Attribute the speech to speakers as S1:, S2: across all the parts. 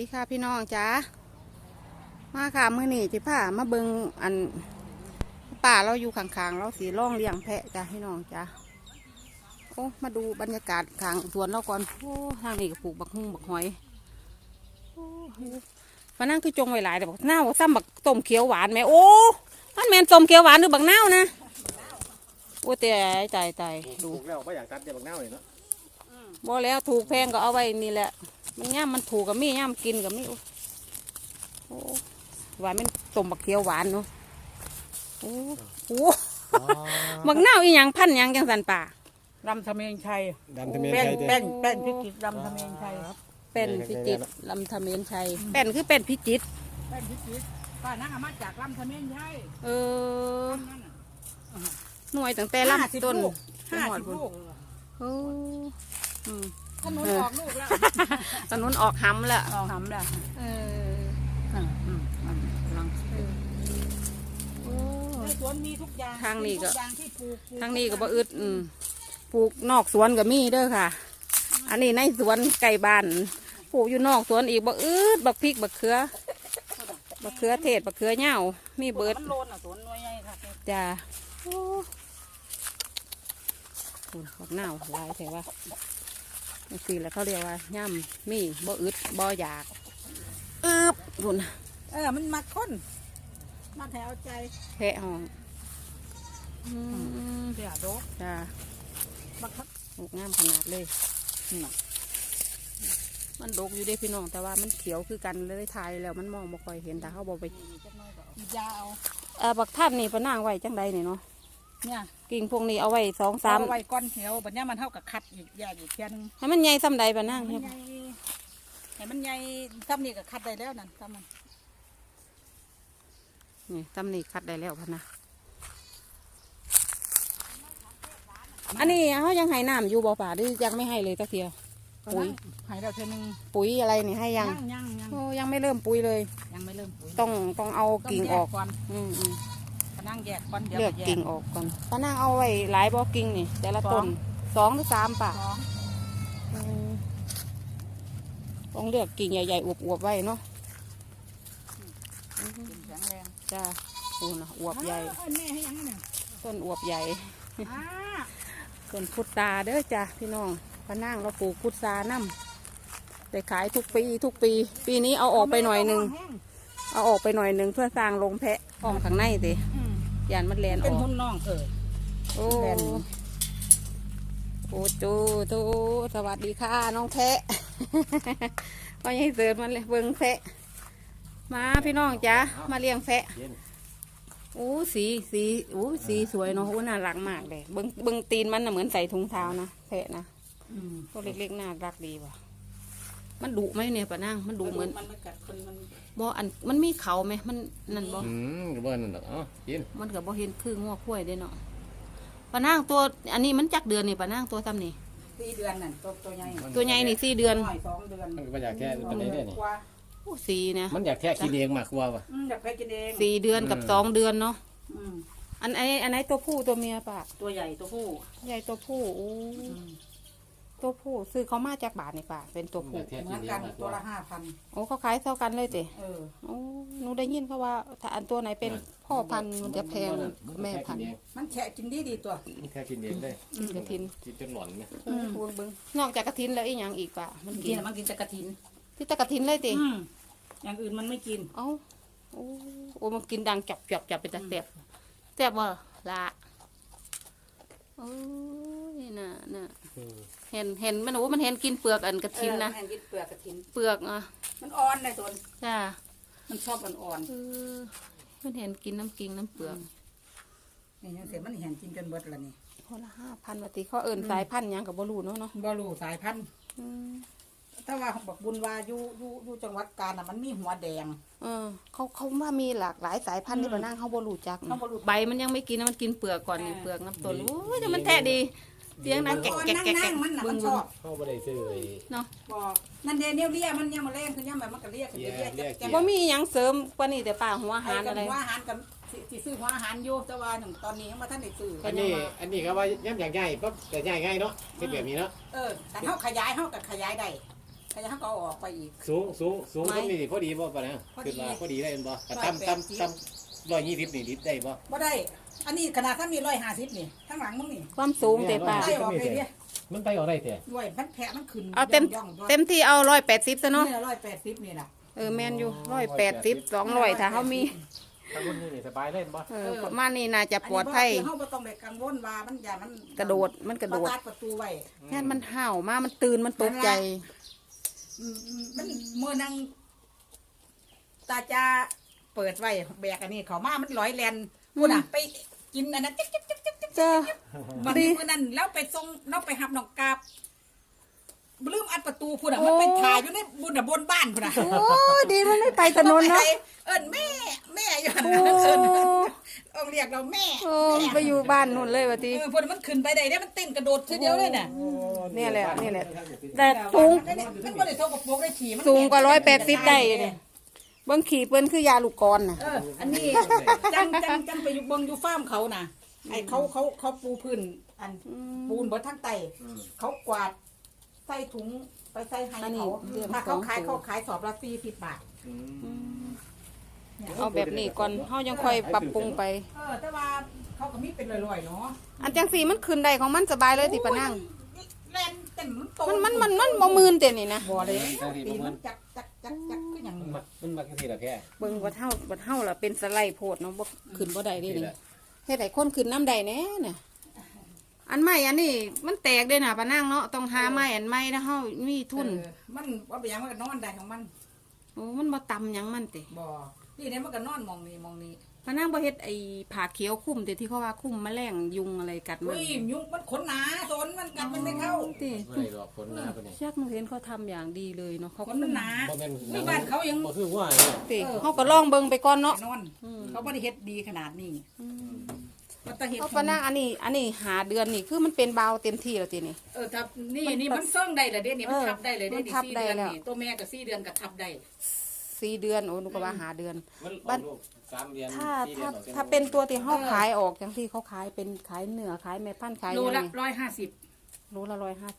S1: ดีค่ะพี่น้องจ้ามาค่ะมื้อนี้ที่ผ้ามาเบิงอันป่าเราอยู่ข้างๆเราสีร่องเลี้ยงแพะจ้าพี่น้องจ้าโอ้มาดูบรรยากาศข้างสวนเราก่อนโอ้ทางนี้ก็ปลูกบักฮุ่งบักหอยโอ้มานั่งคือจงไว้หลายแต่บักนาวซ้ำบักต้มเขียวหวานไหมโอ้มันแมนต้มเขียวหวานหรือบักนาวนะโอ้แต่ใจดู
S2: ถูกแล้วไม่อยากตัดเดี๋ยวบักเน่าเลยเนาะ
S1: บ่แล้วถูกแพงก็เอาไว้นี่แหละมันย่ำมันถูกกับมีย่ำกินกับมีโอ้หวานมันต้มบักเขียวหวานเนาะโอ้โหบักนาวอีหยังพันหยังจังสันป่า
S3: ลำทะเมงชัย
S2: ดำทะเมียน
S3: เป็น
S2: ไทยเด้
S3: เป็นพิจิตรลำทะเมงชัย
S1: เป็นพิจิตรลำธเมนชัยเป็นคือเป็นพิจิตร
S3: เป็นพิจิตรป้านั่งมาจากลำทะเมงชัย
S1: เออหน่วยตั้งแต่ลำต้น
S3: 50 ลูก
S1: โอ้อืม
S3: ถนนออกลูกแล้ว
S1: ถนนออกหำแล้ว
S3: ออกหำแล้ว
S1: เออ
S3: ลัง
S1: โอ้
S3: ในสวนมีทุกอย่าง
S1: ทางนี้ก็
S3: ทุอย่างที่ปลูก
S1: ทางนี้ก็บ่อึดปลูกนอกสวนก็มีเด้อค่ะ อันนี้ในสวนไก่บ้านปลูกอยู่นอกสวนอีกบักอึดบักพริกบักเขือเทศบักเขือเหย้ามีเบิด
S3: มันโลนสวนน้อยใหญ่ค่ะ
S1: จ้าโอ้บักหนาวหลายแต่ว่าสิแล้วเขาเรียกว่าย่ำมีบ่อึดบ่อยากคุณ
S3: มันมาค้นมาแถวใจ
S1: แพะห้อง
S3: เสียโดก
S1: จ้า
S3: บักคัก
S1: ดกงามขนาดเลยมันดกอยู่ได้พี่น้องแต่ว่ามันเขียวคือกันเลยถ่ายแล้วมันมองบ่ค่อยเห็นแต่เขาบอกไป
S3: ยาเอา
S1: บักท่านนี่ปะนางไว้จังใดนี่เนาะ
S3: เนี่ย
S1: กิ่งพวกนี้เอาไว้2-3
S3: เอาไว้ก้อนเหี่ยวบัดนี้มันเท่ากับคัดอีกแยกอีกเพียน
S1: ให้มันใหญ่ซ้ำใดปะนาง
S3: มันใหญ่ให้มันใหญ่ซ้ำนี่ก็คัดได้แล้วนั่นซ้ำมัน
S1: นี่ซ้ำนี่คัดได้แล้วพะนะอันนี้เขายังให้น้ำอยู่บ่ป่าหรือยังไม่ให้เลยตะเทียปุ๋ย
S3: หายเราเท่านึง
S1: ปุ๋ยอะไรนี่ให้ยัง
S3: ยัง
S1: โอ้ยังไม่เริ่มปุ๋ยเลย
S3: ยังไม่เริ่มปุ๋ย
S1: ต้องเอากิ่งออก
S3: ก่อน
S1: อืม
S3: กำลังแยกก่อนเดี๋ยว
S1: เลือกกิ่งออกก่อนป้านางเอาไว้หลายบ่อกิ่งนี่แต่ละต้น2 หรือ 3ป่ะ
S3: สอง
S1: ต้องเลือกกิ่งใหญ่ๆอวบๆไว้เนาะ
S3: กิ่งแข็งแรง
S1: จ้าโอ้นะอวบใหญ่
S3: แม่ให้ยังไง
S1: ต้นอวบใหญ่
S3: อ่า
S1: ต้นพุทราเด้อจ้าพี่น้องป้านางเราปลูกพุทราน้ำได้ขายทุกปีปีนี้เอาออกไปหน่อยหนึงเอาออกไปหน่อยหนึงเพื่อสร้างโรงแพะอ้อมข้างในเด้ยานมันแลนอ
S3: เป็น
S1: อก
S3: หุ่นน้อง
S1: โอ้
S3: แลน
S1: โอ้จูสวัสดีค่ะน้องแพะ ก็ยังเสิร์ฟมันเลยเบิ้งแพะมาพี่น้องจ้ามาเลี้ยงแพะโอ้สีสวยเนาะโอ้น่ารักมากเลยเบิ้งตีนมันน่ะเหมือนใส่ถุงเท้านะแพะนะตัวเล็กๆน่ารักดีว่ะมันดุไหมเนี่ยป้านั่งมันดุเหมือน
S3: มันไม่กัดคนมัน
S1: บ่อันมันมีเขาไหมมันนั่นบ่
S2: กระเบื้องนั่นหรอกกิน
S1: มันกับบ่เห็นคือง้อคุ้ยเด้เนาะป้านั่งตัวอันนี้มันจักเดือนนี่ป้านั่งตัวซ้ำนี่
S3: 4 เดือนนั่นตัวใหญ่
S1: ตัวใหญ่นี่4 เดือน
S3: น้อย2 เดือน
S2: มันก็อยากแค่ตัวนี้เนี่ยนี่
S3: กว่า
S1: โอ้สีนะ
S2: มันอยากแค่กินเองมากกว่าว่ะ
S3: อยากไปกินเอง
S1: 4 เดือนกับ2 เดือนเนาะ
S3: อืม
S1: อันไหนตัวผู้ตัวเมียปะ
S3: ตัวใหญ่ตัวผู้
S1: ใหญ่ตัวผู้โอ้ตัวผู้ซื้อเขามาจากบาทนี่ปะเป็นตัวผู้
S3: เหมือนกันตัวละ5,000
S1: โอ้เขาขายเท่ากันเลยเตะ
S3: เออ
S1: โอ้หนูได้ยินเขาว่าถ้าอันตัวไหนเป็นพ่อพันธุ์มันจะแพงแม่พันธุ์
S3: มันแฉะกินดีตัว
S2: แค่กินเองได้
S1: กินกระถิน
S2: กินจนหลอนไหม
S1: พูนเบิ้งนอกจากกระถินแล้วอีกอย่างอีกปะมัน
S3: กิ
S1: กิ
S3: น
S1: น
S3: มันกินแต่กระถิน
S1: ที่ตะกระถินเลยเตะ
S3: อย่างอื่นมันไม่กิน
S1: เอ้าโอ้มันกินดังจับเป็นตะแสบแสบว่ละโอ้ยน่ะเห็นมันโอ้มันเห็นกินเปลือกอันกระถินนะ
S3: แห้งกินเปลือกกระถิน
S1: เปลือกอ่ะ
S3: มันอ่อนในส่วน
S1: จ้า
S3: มันชอบอ่อน
S1: มันเห็นกินน้ำกิงน้ำเปลือก
S3: นี่ยังเสียมันเห็นกินจนเบิดละนี่
S1: คนละ5,000 บาทเขาเอิญสายพันธุ์หยังกับบรูเนาะ
S3: บอลูสายพันธุ์ถ้าว่าบอกบุญว่าอยู่จังหวัดกาญมันมีหัวแดง
S1: เขาว่ามีหลากหลายสายพันธุ์ที่มานั่งเขาบรูจัก
S3: เขาบ่รู้
S1: ใบมันยังไม่กินนะมันกินเปลือกก่อนนี่เปลือกน้ำต้นโอ้ยแต่มันแท้ดีเสียงดังแกะ
S3: นั่งมันน่ะมันชอบ
S2: เข้าไปได้ซื้อเลย
S1: เนาะ
S3: บอกนั่นเดียวเรียมันยังมาเล่นคือย่ำแบบมันก็เรียกเรียก
S1: แต่ว่ามีหยังเสริมกว่านี้แต่ป่าหัวอาหารอะไร
S3: หัวอาหารกับที่ซื้อหัวอาหารอยู่แต่ว่าหนึ่งตอนนี้ยังมาท่านได้ซื้อ
S2: อันนี้ก็ว่าย่ำอย่างใหญ่ปั๊บแต่ใหญ่ง่ายเนาะเป็นแบบนี้เนาะ
S3: แต่เขาขยายเขากับขยายได้ขยะเขาก็เอาออกไปอีก
S2: สูงก็มีพอดีบ่ปะนะ
S3: พอดี
S2: คือว่าพอดีได้เป็นบ่แต่ตั้ม120นี่ลิตรได้บ่
S3: บ่ได้ อันนี้ขนาดถ้ามี150นี่ข้างหลังมึงนี่
S1: ความสูงเตป้า
S3: ไล่ออกไปดิ
S2: มันไปออกได้แต่
S3: ด้วยมันแผลมันขึ้น
S1: เอาเต็ม
S3: ย่องๆ
S1: เต็มที่เอา180ซะเนาะ
S3: นี่180นี่ล่ะ
S1: แม่นอยู่180 200ถ้าเขามี
S2: ถ้ารุ่นนี้นี่สบายเล่นบ่
S1: ประมาณนี้น่าจะปลอดภัย
S3: นนี้เฮาบ่ต้องไปกังวลว่ามันอย่ามัน
S1: กระโดดมันกระโดด
S3: ตัดประตูไว้
S1: แค่มันเห่ามามันตื่นมันตกใจ
S3: มันเมื่อนังตาจะเปิดไว้แบกอันนี้เขามามันลอยแลนพูดอ่ะไปกินอันนั้นจิ๊กจิ๊กจิ๊กจิ๊กจิ๊ก
S1: เจอ
S3: วันนี้มื่อนั้นแล้วไปส่งเราไปหับน้องกาบลืมอัดประตูพูดอ่ะมันไปถ่ายอยู่ในบนบ้านพูดอ่ะ
S1: โอ้ดีมันไม่ไปถนนเนาะ
S3: เอิ้นแม่อยู่
S1: โอ้
S3: เอิ้นเอาเรียกเราแม่
S1: โอ้ไปอยู่บ้านนู่นเลยวะที
S3: พูดมันขึ้นไปได้มันเต้นกระโดดทีเดียวเลยน่ะ
S1: เนี่ยแหละนี่แหละแต่สูง
S3: มันบ่ได้โทรกับโปกได้ขี่มัน
S1: สูงกว่า180ได้เนี่ยเบิ้งขี่เปิ้นคือยาลูกกรน่ะ
S3: อันนี้จังไปอยู่เบิ่งอยู่ฟาร์มเขาน่ะไอ้เขาปูพื้นอันปูนเบิดทั้งไตเขากวาดใส่ถุงไปใส่ให้เขาถ้าเขาขายสอบละ40 บาท
S1: เอาแบบนี้ก่อนเฮายังค่อยปรับปรุงไป
S3: แต่ว่าเขาก็มีเป็นลอยๆเนาะ
S1: อันจังสีมันขึ้นได้ของมันสบายเลยติปะนั่ง
S3: แล่นเต็มโต
S1: มันบ่มื่นเต็นี่นะ
S3: บ่เลยตีมันจักก็อย่าง
S2: มันมาจังซี่ล่ะแค่
S1: เบิ่งว่าเฮาล่ะเป็นสไลด์โพดเนาะบ่ขึ้นบ่ได้เด้นี่เฮ็ดให้คนขึ้นน้ำได้แน่น่ะอันใหม่อันนี้มันแตกเด้น่ะปะนั่งเนาะต้องหาไม้อันใหม่นะเฮามีทุน
S3: มันว่าไปยังมันก็นอนได้ของมัน
S1: โอ้มันบ่ต่ำหยังมันติ
S3: บ่นี่เนี่ยมันก็นอนมองนี่
S1: ปะนั่งบ่เฮ็ดไอ้ผ้าเขียวคลุมติที่เขาว่าคลุมแมลงยุงอะไรกัดมัน
S3: อุ้ยยุงมันขนหนาสนมันกัดมันไม่เข้า
S1: ติ
S2: บ่ได้หรอกผลหน้าปะนี่
S1: ชักหนูเห็นเขาทำอย่างดีเลยเนาะเขา
S3: ขนมันหนา
S2: บ่แม่น
S3: อุ้ยบ้านเขายัง
S2: บ่คือว่าเนี่ย
S1: ติเฮาก็ลองเบิ่งไปก่อนเนาะ
S3: นอนเขาบ่ได้เฮ็ดดีขนาดนี้มันตะเฮ็ด
S1: เอาปะนั่งอันนี้หาเดือนนี่คือมันเป็นเบาเต็มที่แล้วตินี่
S3: ทับนี่มันเฟิ่งได้เลยเด้นี่มันทับได้เลยเด้
S1: มัน
S3: นี่
S1: ทับ
S3: 4
S1: ได้
S3: เดือน
S1: แล้ว
S3: นี่ตัวแม่ก็4 เดือนก็ทับได้
S1: 4 เดือนโอ้หนูก็ว่าหาเดือน
S2: มันออกลูก3เดือน
S1: ถ้า
S2: 4ดือนออก
S1: ถ้าเป็นตัวที่เขาขายออกอย่างที่เขาขายเป็นขายเนื้อขายแม่พันธุ์ขาย
S3: โล
S1: ยัง
S3: ละ
S1: ไง
S3: 150
S1: โลละ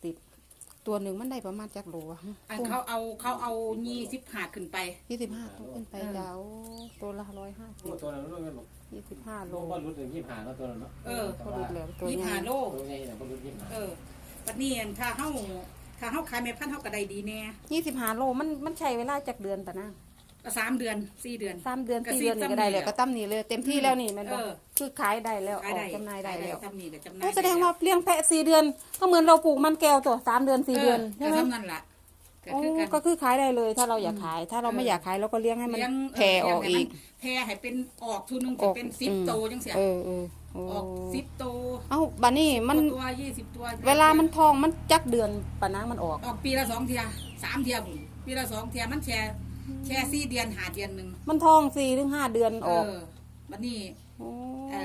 S1: 150ตัวหนึ่งมันได้ประมาณจักโลอะ
S3: อันเขาเอา25ขึ้นไป
S1: 25ต้องขึ้นไปเจ้าตัวละ
S2: ตัวนั้นมัน
S1: 150 25โล
S2: บ่รู้ถึง25แล้วตัวนั้นเนาะ
S1: พอดีเลยตัวใหญ่
S3: 25โล
S2: ตัวใหญ่น่ะบ่รู้25
S3: ปัดนี้ถ้าเฮาขายแม่พันธุ์เฮาก็ได้ดีแน่
S1: 25โลมันใช้เวลาจักเดือนปะนะ
S3: 3 เดือน 4 เดือน
S1: 3 เดือน
S3: ก็
S1: 4 เดือนนี่ก็ได้เลยก็ตั้มนี่เลยเต็มที่แล้วนี่แมันบอกคือขายได้แล้วออกจำหน่ายได้แล้ว
S3: ทำนี่ก็จำหน่า
S1: ก็
S3: ย
S1: แสดงว่าเลี้ยงแพะ4 เดือน ก็เหมือนเราปลูกมันแก้วตัว3 เดือน4 เดือนใช่ไหม
S3: ก็ทำนั่นล่ะก็
S1: โอ้
S3: คือกัน
S1: ก็คือขายได้เลยถ้าเราอยากขาย ถ้าเราไม่อยากขายเราก็เลี้ยงให้มันแผ่ออกอีก
S3: แผ่ให้เป็นออกทุนนึงจะเป็น10โตจังซี่
S1: โอ้
S3: ออก10โต
S1: เอ้าบัดนี้มัน
S3: ตัว20ตัว
S1: เวลามันทองมันจักเดือนปะนางมันออก
S3: ออกปีละ2เที่ย3เที่ยบุ่นปีละ2เที่ยมันแค่4เดือน5เดือนนึง
S1: มันทอง4 ถึง 5 เดือนออก
S3: บัดนี้
S1: โอ้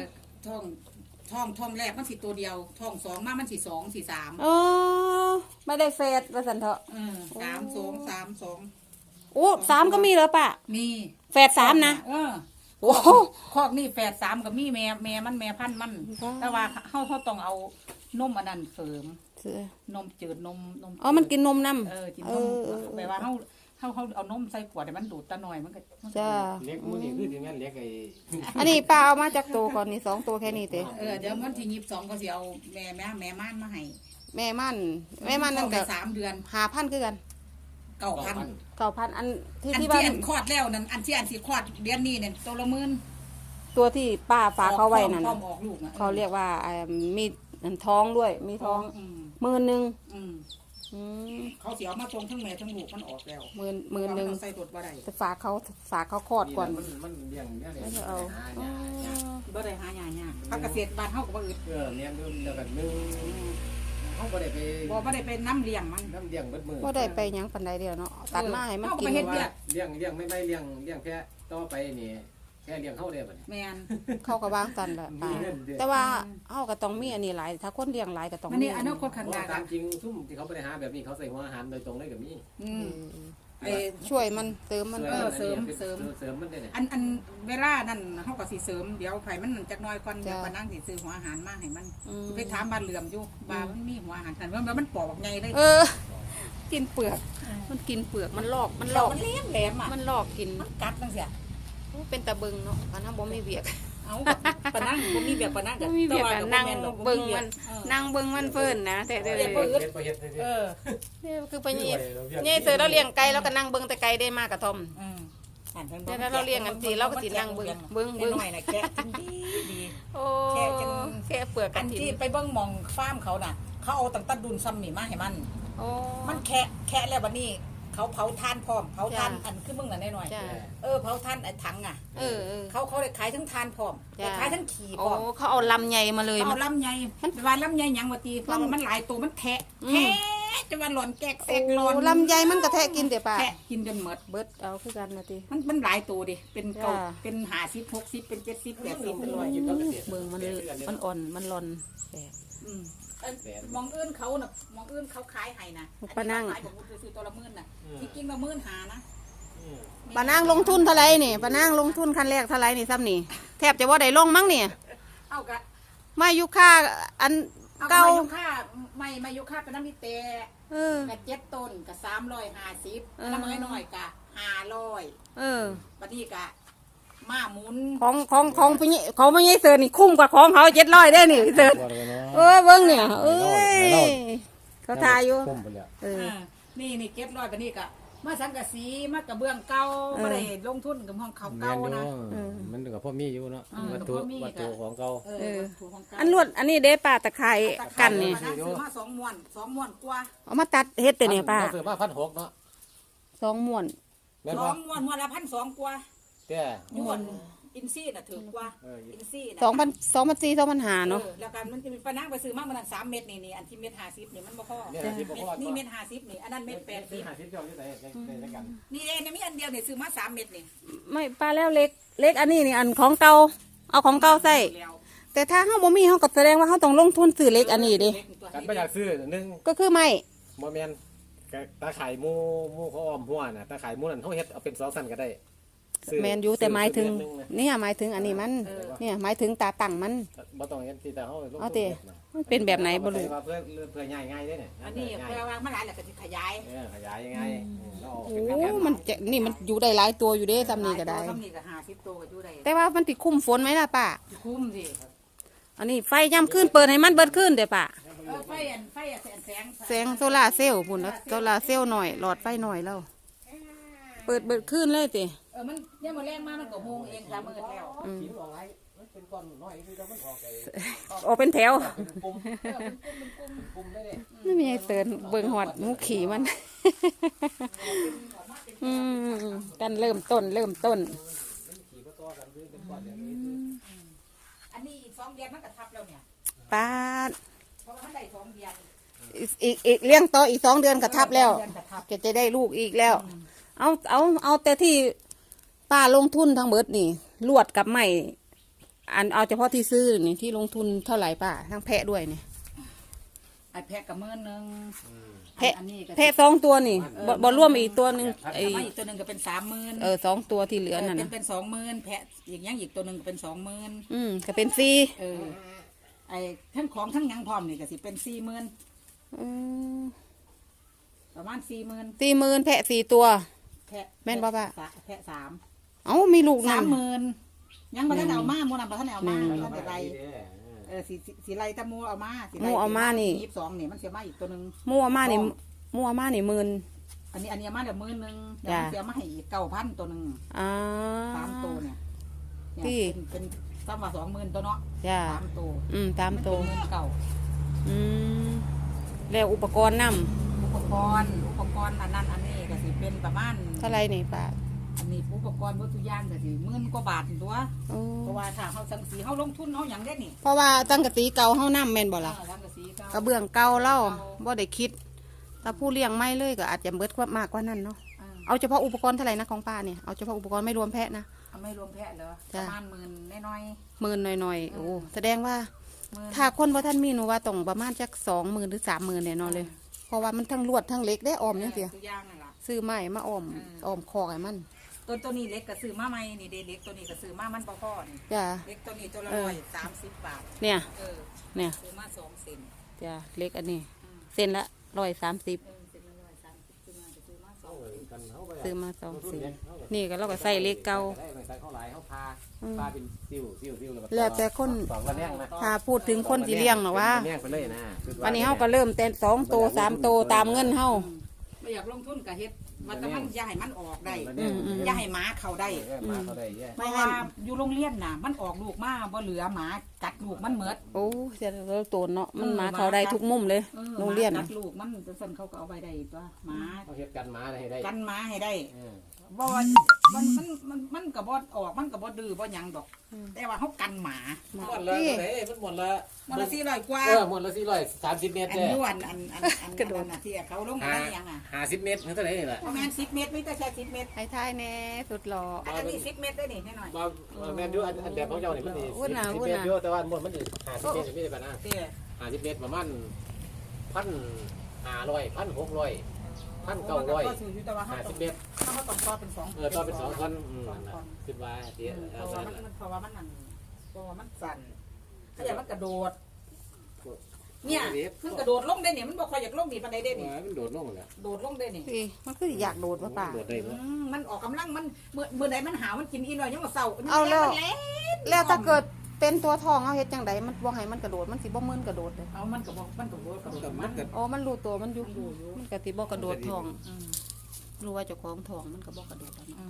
S3: ท้องแรกมันสิตัวเดียวท้อง2มามันสิ2สิ3
S1: เออไม่ได้เฟสว่าสันเถอะ
S3: 3 2 3 2
S1: โอ้3ก็มีเหรอปะ
S3: มี
S1: แฝด3นะ โอ้
S3: คอกนี่แฝด3กับมีแม่มันแม่พันธุ์มัน แต่ว่าเขาต้องเอานมอันนั้นเสริม
S1: เสือน
S3: มจืดนม
S1: อ๋อมันกินนมน้
S3: กิน
S1: ำ
S3: นมแบบว่าเขาเอานมใส่ขวดให้มันดูดตะหน่อยมันก็
S1: จ้า
S2: เล็กมื้อนี้คือถึงงั้นเล็กไอ้
S1: อันนี้ป้าเอามาจากตัวก่อนนี่2 ตัวแค่นี้เต้
S3: เดี๋ยวมันที่22ก็สิเอาแม่ม่านมาให้
S1: แม่มันนั่นก็
S3: 3 เดือน
S1: 5,000คือกัน
S3: 9,000
S1: 9,000อันที่
S3: อัน
S1: ที่
S3: ที่
S1: บ้าน
S3: อันคลอดแล้วนั่นอันที่อันสิคลอดเดือนนี้เนี่ยตัวละ10,000
S1: ตัวที่ป้าฝากเขาไว้นั่น
S3: พร้อ
S1: น่ะ
S3: มออกลูก
S1: เขาเรียกว่ามีท้องด้วยมีท้อง10,000
S3: เขาเสียมาตรงทั้งแม่ทั้งลูกมันออกแล้ว
S1: 10,000
S3: ใส่ตดบ่ได้
S1: จะฝากเขาคลอดก่อน
S2: มันเลี้ยงเนี่ย
S1: แล้วจะเอา
S3: บ่ได้หายากภาคเกษตรบ้านเฮาก็บ่อึด
S2: เลี้ยงด้วยแล้วกันนึงเฮาบ่ได้ไป
S3: บ่ได้ไปน้ำเลี้ยงมัน
S2: น้ำเลี้ยงเบิดมื้อ
S1: ก็ได้ไปหยังปันใดเดียวเนาะตัดมาให้มันกิน
S3: เฮ็ด
S2: ว่าเลี้ยงไม่เลี้ยงแค่ต่อไปนี่แค่เลี้ยงเฮาได้บัด
S3: แม่น
S1: เขาก็วางตันแหละป้าแต่ว่าเฮาก็ต้องมีอันนี้หลายถ้าคนเลี้ยงหลายก็ต้อง
S3: มัน
S1: มี
S3: นี่อนาคตข้างหน้า
S2: ตามจริงซุ่มที่เขาบ่ได้หาแบบนี้เขาใส่หัวอาหารโดยตรงได้ก็มี
S3: ไอ้
S1: ช่วยมันเติมมัน
S3: เสริม
S2: มันได้เนี่ย
S3: อันเวลานั้นเฮาก็สิเสริมเดี๋ยวไผมันจักหน่อยก่อนเดี๋ยวปานางสิซื้อหัวอาหารมาให้มันไปถามบ้านเหลื่อมอยู่ว่ามันมีหัวอาหารกันว่ามันปอกใหญ่เลยกินเปลือก
S1: มันกินเปลือกมันลอกมันล
S3: เรา
S1: อก
S3: มันแหลมอ่ะ
S1: มันลอกกิน
S3: มันกัดจังซี่
S1: โอ้เป็นตาเบิงเนาะอันนั้นบ่มีเวียก
S3: เอาปะนั่งบ่มีแบบปะนั่ง
S1: บ่มีเวียกอะนั่งเบิงมันนั่งเบิงมันเพิ่นนะแต่เด้อ
S2: เฮ็ดบ่เฮ็ดเลย
S3: เออ
S1: คือไปนี่นี่เจอเราเลี้ยงไก่แล้วก็นั่งเบิงแต่ไก่ได้มากกระท่อม
S3: อืมอันเพิ่น
S1: เดี๋ยวเราเลี้ยงกันสิเราก็สินั่งเบิ่ง
S3: น้อยน่ะแกะกินดี
S1: โอ้
S3: แค่จน
S1: แค่เปลือก
S3: อั
S1: กัน น
S3: ที่
S1: ทิน
S3: ไปเบิ่งหมองฟาร์มเขาน่ะ เขาเอาตั้งแต่ดุนซ้ำนี่มาให้มัน
S1: โอ้
S3: มันแคะแล้วบัดนี้ เขาเผาทานพร้อมเผาทาน
S1: จ้ะ
S3: อันคือมึงน่ะน้อย
S1: จ้า
S3: เผาทานไอ้ถังอ่ะ
S1: เออ
S3: เขาได้ขายทั้งทานพร้อม
S1: จ้ะ
S3: ได้ขายทั้งขี่พ
S1: โอ้
S3: ร้อม
S1: เขาเอาลำใหญ่มาเลย
S3: เอาลำไยมันว่าลำไยหยังว่าตีเพราะว่ามันหลายตัวมันแทะจะว่าหล่อนแกกแซกหล่อน
S1: ลำใหญ่มันกระแทกกินเดี๋ยวป่า
S3: แทะกินจนหมด
S1: เบิดเอาคือกันนะที
S3: มันหลายตัวดิเป็นเก่า
S1: จ้ะ
S3: เป็น50 60เป็น70 80เป็นร้อย
S1: เบิ่งมันอ่อนมันร่อนแปลก
S3: อืมมองอื่นเขาน่ะมองอื่นเขาขายให้นะ
S1: ปะนั่ง
S3: ขายผมซื้อตัวละหมื่นน่ะที่จริงละ15,000นะ
S1: ป้านางลงทุนเท่าไหรนี่ป้านางลงทุนคันแรกเท่าไหรนี่ซ้ำนี่แทบจะว่าได้ลงมั้งเนี่ย
S3: เอากะ
S1: มาอยู่ค่าอัน
S3: เอา
S1: เก่า
S3: มายุค่ามายุค่าเป็นน้ำมีเตะ
S1: เออ
S3: กะ7ต้นกะ350น้ำน้อยๆกะ500
S1: เออ
S3: บัดนี้กะมาหมุน
S1: ของพี่นี่ของพี่นี่เสือนี่คุ้มกว่าของเขา700ได้นี่พี่เสือเบิ้งเนี่ยเอ้ยเขาทายอยู่
S2: คุ้มไปแล้ว
S1: เออ
S3: นี่700บัดนี้กะมาสังกะสีมากระเบื้องเก่าบ่ได้ลงทุนกับห้องเขา
S2: แม่
S3: เก่าน
S2: อยู่
S3: นะ
S2: มันก็พ่อมีอยู่เนาะ
S3: เออ
S2: วัตถุ
S3: พ่อมี
S2: วัตถุของเก่า
S3: ถูกของเก่า
S1: อันลวดอันนี้เด้ป้าตะไคร้กันนี่
S3: ซื้อมา2ม้วนกว่า
S1: เอามาตัดเฮ็ดแต่เนี่ยป้า
S2: เซื้อมา1,600เนาะ
S1: 2 ม้วน
S2: แม่น
S3: ส
S2: บ่
S3: องม้วนละ1,200กว่า
S2: แต่
S3: ย้วนอินซี่น่ะถือกว่า
S2: เออ
S3: อินซี่น่ะ
S1: 2,400 2,500เนาะ
S3: แล้วกันมันจะมีปะนังไปซื้อมามัน3เม็ดนี่อันที่เม็ด50นี่มันบ่พอ
S2: เนี่ยที่บ่พอ
S3: นี่เม็ด50นี่อันนั้นเม็ด
S2: ที่
S3: 80
S2: 50เจ้าอยู่ไหนในกัน
S3: นี่เองมีอันเดียวนี่ซื้อมา3เม็ดนี่
S1: ไม่ป้าแล้วเล็กอันนี้นี่อันของเก่าเอาของเก่าใส่
S3: แล้ว
S1: แต่ถ้าเฮาบ่มีเฮาก็แสดงว่าเฮาต้องลงทุนซื้อเล็กอันนี้เด้
S2: กันบ่อยากซื้อนึง
S1: ก็คือไม่
S2: บ่แม่นตาไข่หมูเขาอ้อมหัวน่ะตาไข่หมูนั่นเฮาเฮ็ดเอาเป็น2ชั้นก็ได้
S1: แมนอยู่แต่หมายถึงเนี่ยหมายถึงอันนี้มันเนี่ยหมายถึงตาตั้งมัน
S2: บ่ต้องเฮ็ดที่แต่เฮาลง
S1: เอาติมันเป็นแบบไหนบ่รู้
S2: เพื่อง่ายๆเด้เนี่ย
S3: อันนี้เพื่อวางมาหลายแล้วก็สิขยาย
S2: ขยายยังไงเราออก
S1: โอ้
S2: เป็นแผ่น
S1: มันจะนี่มันอยู่ได้หลายตัวอยู่เด้ซ้ำนี่ก็ได้
S3: ซ้ำนี่ก็50ตัวก็อยู่ได้
S1: แต่ว่ามันติคุ้มฝนไหมล่ะป้า
S3: คุ้มสิ
S1: อันนี้ไฟย่ำขึ้นเปิดให้มันเบิดขึ้นเด้อป้า
S3: ไฟ
S1: แสงโซล่าร์เซลล์พุ่นแล้วโซล่าร์เซลล์หน่อยหลอดไฟหน่อยแล้วเปิดขึ้นเลยติ
S3: มันยังมาแรงมากมันก็โมงเองละมืดแล้ว
S2: ชิ้นออกไรมันเป็นก้อนน้อยคือมันออกไอ้
S1: ออกเป็นแถว
S2: เป็นปุ่มปุ่มได้เลย
S1: ไม่มีไอ้เตือนเบิ่งหอดหมูขี่มัน กันเริ่มต้น
S2: ขี่ก็ต่อกันเป็นก้อนอย่างนี้
S3: อันนี้อีก2 เดือนมันก็ทับแล้วเนี่ย
S1: ป้าด
S3: เพราะว่ามันได้2 เดือน
S1: อีกเลี้ยงต่ออีก2 เดือนกระทับแล้ว
S3: เดือนก็ทับ
S1: จะได้ลูกอีกแล้ว เอาแต่ที่ป้าลงทุนทั้งเบิดนี่ลวดกับไม้อันเอาเฉพาะที่ซื้อนี่ที่ลงทุนเท่าไหร่ป้าทั้งแพะด้วยนี่
S3: ไอ้แพะกับมื้อนึง
S1: แพะ
S3: อันนี้ก็
S1: แพะ2 ตัวนี่บ่รวมอีกตัวหนึงไอ้
S3: ไอ้อีกตัวนึงก็เป็น30,000
S1: 2 ตัวที่เหลือนั่นนะ
S3: เป็น20,000แพะอีกอย่างอีกตัวนึงก็เป็น20,000
S1: ก็เป็น
S3: ไอ้ทั้งของทั้งหยังพร้อมนี่ก็สิเป็น40,000 ประมาณ40,000
S1: 40,000แพะ4 ตัว
S3: แพะ
S1: แม่นบ่ป้า
S3: แพะ3
S1: เอ้ามีลูกนั่น
S3: 30,000ยังบ่ทันเอามาหมู่นั้นบ่ทันเอามาบ่ทันได้ไล่สิไล่ตะมูเอามาสิไล่
S1: หมู่เอามานี่
S3: 22นี่มันสิมาอีกตัวนึง
S1: มั่วมานี่หมื่น
S3: อันนี้เอามาเดี๋ยวมื้อนึงเดี๋ยว
S1: จ้ะ
S3: มันสิเอามาให้อีก9,000ตัวนึง 3 ตัวเนี่ย
S1: ที่
S3: เป็นซ้ำว่า20,000ตัวเนาะ
S1: จ้า
S3: 3 ตัว
S1: ตามตัว
S3: มันเป็นเก่า
S1: แล้วอุปกรณ์น
S3: อุปกรณ์อันนั้นอันนี้ก็สิเป็นประมาณ
S1: ำเท่าไรนี่ป้า
S3: อันนี้อุปกรณ์วัตถุกอย่างก็สิ10,000 กว่าบาทตัว
S1: โอ้
S3: เพราะว่าถ้าเฮาสังสีเฮาลงทุนเฮาหยังได้นี่
S1: เพราะว่าตั้งกะสีเก่าเฮานำแม่นบ่ล่ะ
S3: สังกะสีเก่าก
S1: ระเบื้องเก่าเล่าบ่ได้คิด ถ้าผู้เลี้ยงไม่เลยก็อาจจะเบิดกว่ามากกว่านั้นเนาะ เอาเฉพาะอุปกรณ์เท่าไหร่นะของป้าเนี่ยเอาเฉพาะอุปกรณ์ไม่รวมแพะนะ
S3: เอาไม่รวมแพะเหรอป
S1: จ้ะ
S3: ระมาณ10,000น้อย
S1: หมื่นหน่อยๆโอ้แสดงว่า
S3: ๆ
S1: ถ้าคนบ่ท่านมีหนูว่าต้องประมาณจัก20,000หรือ30,000แน่นอนเลย เพราะว่ามันทั้งลวดทั้งเหล็กได้ออมจังซี่
S3: ตัวอย่างนั่นล่ะ
S1: ซื้อไม้มาอ้อมคอกให้มัน
S3: ตัวนี้เล็กก็ซื้อมาใหม่นี่เด้เล็กตัวนี้ก็ซื้อมามันบ่พอนี่
S1: จ้า
S3: เล็กตัวนี้ตัวละ130 บาท
S1: เนี่ย
S3: เออ
S1: เนี่ย
S3: ซื้อมา2 เซน
S1: จ้าเล็กอันนี้ เส้นละ130
S3: เส้นละ130
S2: กันเขาไป
S1: ซื้อมาสองสี
S2: เขาก็
S1: นี่ก็เราก็ใส่เลขเก่า
S2: ได้ใส่เขาหลายเขาพา
S1: อืม
S2: พาเป็นซิ่ว
S1: แล้วแต่คน
S2: สองระแนงนะ
S1: ถ้าพูดถึงคนที่เลี้ยงหรอว่า
S2: ระแนงไปเลยนะ
S1: วันนี้เฮาก็เริ่มแต่2 โต 3 โตตามเงินเฮา
S3: ไม่อยากลงทุนกับเฮ็ดมันแต่มันอย่าให้มันออกได้
S2: ระแนง
S3: อย่าให้หมาเข้าได้
S2: มาเขาได้แย่
S3: เพราะว่าอยู่โรงเรียนน่ะ มันออกลูกมาบ่เหลือหมากัดลูกมันเหมิด
S1: โอ้เสียแล้วโตนเนาะมันมาเข้าได้ทุกมุมเลยโรงเรียน
S3: หมา
S1: น่ะ
S3: กัดลูกมันจะสั่นเขาก็เอาไปได้ตัวหมา
S2: เขาเฮ็ดกันมาให้ได้
S3: กันหมาให้ได้
S2: เออ
S3: บ่ว่ามันก็บ่ออกมันก็บ่ดื้อบ่หยังดอก แต่ว่าเขากันหมา
S2: หมดละเท่าไหร่มันหมดละ
S3: มันละ400กว่า
S2: หมดละ430 เมตร
S3: อัน
S2: เด้
S3: ย้วนอันกระโดดน่ะที่เขาลงอะไรยังอ่ะ
S2: 50 เมตรเท่าไหร่นี่แหละ
S3: ประมาณ10 เมตรไม่แต่แค่10 เมตร
S1: ให้ทายแน่สุดหล่อ
S3: อันนี้10 เมตรได้นี่แน่หน่อย
S2: บ่แม่นอยู่อันแบบของเจ้านี่มันสิ
S1: วุ่นน่ะ
S2: 10
S1: วุ่น
S2: เม
S1: น่ะ
S2: ตรอยู่แต่ว่าหมดมันสิ50 เมตรไม่ได้ปานนะ
S3: เด้อ
S2: 50 เมตรประมาณ1,500 1,600
S3: ก็ซื้ออยู่แต่ว่า
S2: 1,900 50 เมตร
S3: เขาต้องต่อเป็น2
S2: ต่อเป็น2 คนคิดว่าเดี๋ยว
S3: เพ
S2: เอา
S3: ราะ
S2: ซะ
S3: ว่ามันเพราะว่ามันนั่นเพราะว่ามันสั่นถ้าอย่างมันกระโดด เนี่ยคือกระโดดลงได้เนี่ยมันบ่ค่อยอยากลงนี่ปานใดเด้นี่
S2: มันโดดลงแล้ว
S3: โดดลงได้นี่
S1: พี่มันคืออยากโดดป่ะป่า
S2: โดดได้บ่
S3: มันออกกำลังมันเมื่อใดมันหามันกินอีหน่อยยังมาเศร้า
S1: เอาแล้ว
S3: มันเล่น
S1: แล้วถ้าเกิดเป็นตัวทองเอาเฮ็ดจังไดมันบ่ให้มันกระโดดมันสิบ่มึนกระโดดเลย
S3: เอามันก็บอกมันก็บอกกระโดดมัน
S1: อ๋อมันรู้ตัวมันอยู่มันก็สิบ่กระโดดทอง
S3: อืม
S1: รู้ว่าเจ้าของทองมันก็บ่กระโดดแล้วเนาะ
S3: อืม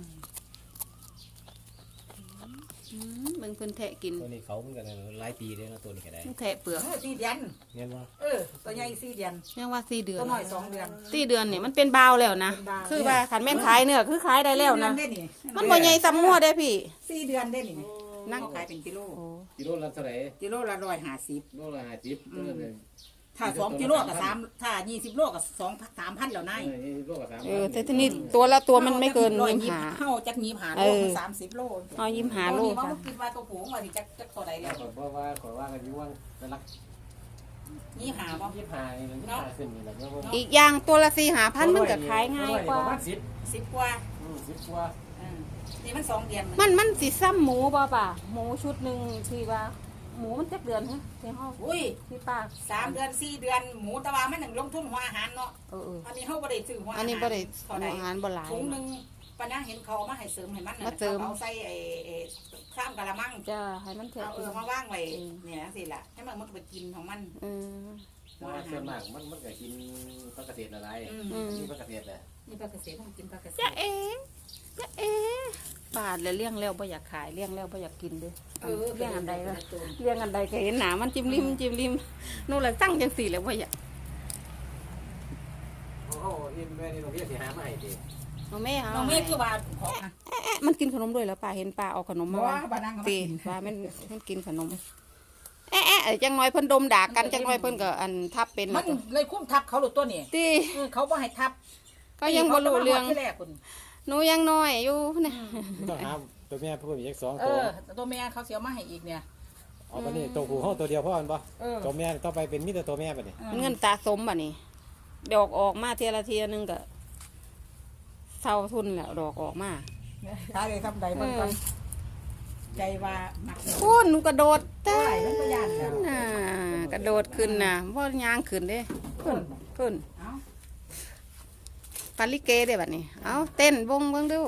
S1: เบิ่งเพิ่นแทะกิน
S2: ตัวนี้เขามันก็หลายปีแล้วนะตัวนี้ก็ได้
S1: มันแทะเปลือก
S3: 4 เดือน
S2: เงี้ยบ่
S3: ตัวใหญ่4 เดือน
S1: ยังว่า4 เดือน
S3: ตัวน้อย2 เดือน
S1: 4 เดือนนี่มันเป็นบาวแล้วนะ
S3: เป็นบาว
S1: คือว่าคันแม่นขายเนื้อคือขายได้แล้วนะ
S3: 4 เดือได้นี่
S1: มันบ่ใหญ่ซ้ำงัวได้พี่
S3: 4 เดือนได้นี่
S1: นั่
S3: นั่
S1: ง
S3: งขายเป็นกิโล
S1: โอ้
S2: กิโลละเท่าไหร่
S3: กิโลละ150
S2: โลละ50ตัวนึง
S3: ถ้า2 กิโลก็3ถ้า20 โลก็2 3,000แล้วนาย
S2: โลละ3
S1: แต่ทีนี้ตัวละตัวมันไม่เกิน25
S3: เฮาจัก25โลมัน30 โล
S1: เอา25โล
S3: เขา
S1: ค่ะ
S3: คิดว่าตัวผูงว่าสิจักเท่าใดแล้ว
S2: เพราะว่าขอว่ากันอยู่ว่าเป็นลัก
S3: 25บ่
S2: 25นี่มัน25ขึ้นนี่แหละเนาะ
S1: อีกอย่างตัวละ4-5,000มันก็ขายง่ายกว่า
S2: ประมาณ
S3: 10 กว่า
S2: 10กว่า
S3: นี่มัน2 เดือน
S1: มันสิซ้ำหมูบ่ป่ะหมูชุดหนึงที่ว่าหมูมันจักเดือนฮะที่เฮา
S3: อุ้ย
S1: ที่ป้า
S3: 3 เดือน 4 เดือนหมูตะวามันลงทุนหัวอาหารเนาะ
S1: เออ
S3: อันนี้เฮาบ่ได้ซื้อหัวอาหาร
S1: อันนี้บ่ได้
S3: เท่าใด
S1: อาหารบ่หลาย
S3: ถุงนึงปะนะเห็นเขามาให้เสริมให้มัน
S1: มาเสริม
S3: เอาใส่ข้ามกะละมัง
S1: จะให้มันแทะ
S3: เอา
S1: กิน
S3: มาว่างไว้เนี่ยสิล่ะให้มันก็ไปกินของมัน
S1: เออ
S2: แต่ว่าส่วนมากมันก็กินผักเกษตรอะไรนี่ผักเกษตรแหละ
S3: นี่ปลาเกษตรต้องกินปลาเกษ
S1: จะ
S3: ตร
S1: เอ๋จะเอ๋ปาดแล้วเลี้ยงแล้วบ่อยากขายเลี้ยงแล้วบ่อยากกินเด้เลี้ยงอันใดล่ะเลี้ยงอันใดก็เห็นหนามันจิ้มริมนู่นล่ะตั้งจังสี่แล้วบ่อยาก
S2: โอ้โหอินแม่นี่เราเรียกสิหามาให้ดิ
S1: เอาแม่เอา
S3: น้องเมฆคือว่าของนะ
S1: มันกินขนมด้วยแล้วป้าเห็นป้าเอาขนมมา
S3: ว่า
S1: ว่า
S3: บ้านนั่ง
S1: ตีป้ามันกินขนมจังน้อยเพิ่นดมด่ากันจังน้อยเพิ่นก็อันทับเป็น
S3: มันเลยคุ้มทับเขาหลุดตัวนี่
S1: ตี
S3: เขาบ่ให้ทับ
S1: ก็ยังบ่รู้เรื่อง
S3: ที่แรกคุณ
S1: หนูยังน้อยอยู่นะ
S2: ต้องหาตัวแม่เพิ่มอีก2
S3: เอ
S2: ตัว
S3: อตัวแม่เขาเสียมาให้อีกเนี่ย
S2: เอาบัดนี้ตัวผู้เฮาตัวเดียวพอมันบ่
S3: เออ
S2: ตัวแม่ต่อไปเป็นมีแต่ตัวแม่บัดนี้
S1: เงินตาสมบัดนี้ดอกออกมาเทียละเทียนึงก็เท่าทุนแล้วดอกออกมา
S3: ขายเลยทำใดมันกันใจว่ามัก
S1: คุณหนูกระโดด
S3: เท่าไหร่มันก็ยานแล้ว
S1: น่ะกระโดดขึ้นน่ะว่ายางขึ้นเด้ขึ้น
S3: เอ้า
S1: ปาลิเกเด้บัดนี้เอาเต้นวงเบิ่งดู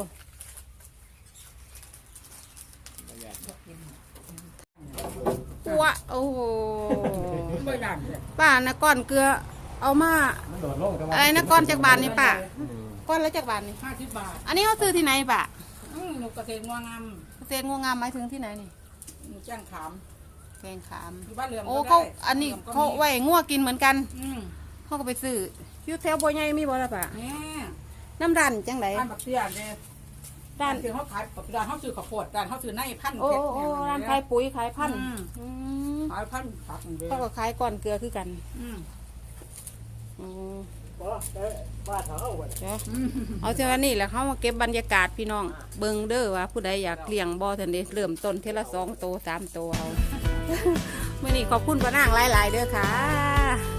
S1: ปัวโอ้โห
S3: บ่ยานเลย
S1: ป้านะก้อนเกลือเอามา
S2: มันโดดลงแต่ว่า
S1: อะไรนะก้อนจากบานนี่ป้าก้อนละจากบานนี่
S3: 50 บาท
S1: อันนี้เขาซื้อที่ไหนป้า
S3: หนูเกษตรงวงาม
S1: เกษตรงวงามหมายถึงที่ไหนนี่
S3: หนูแจ้งขาม
S1: แกงขาม
S3: อยู่บ้านเหลื่อม
S1: โอ้
S3: ก็
S1: เขา
S3: ได้
S1: อันนี้
S3: หลื่มก็
S1: เขา
S3: มี
S1: ไว้งัวกินเหมือนกัน
S3: อืม
S1: เขาก็ไปซื้ออยู่แถวบัวใหญ่มีบ่ล่ะป้า
S3: แม่
S1: น้ำรันจังได
S3: ร้านบักเตี้ยเนี่ย
S1: ร้าน
S3: คือเขาขายร้านเขาซื้อข้าวโพดร้านเขาซื้อในพันธุ์
S1: โอ้
S3: เพชร
S1: โอ้
S3: เนี่ย
S1: ร้านขายปุ๋ยขายพันธุ์
S3: อืม
S1: อืม
S3: ขายพันธุ์ผักเด้
S1: เขาก็ขายก้อนเกลือคือกัน
S3: อืม
S1: อืม
S2: บ้านเขาเอาไว้
S1: เดี๋ยวเอาเท่านี้แหละเขามาเก็บบรรยากาศพี่น้องเบิ่งเด้อว่าผู้ใดอยากเลี้ยงบ่ทันเด้เริ่มต้นเทละ2 โต 3 โตเอา มื้อนี้ขอบคุณป้านางหลายๆเด้อค่ะ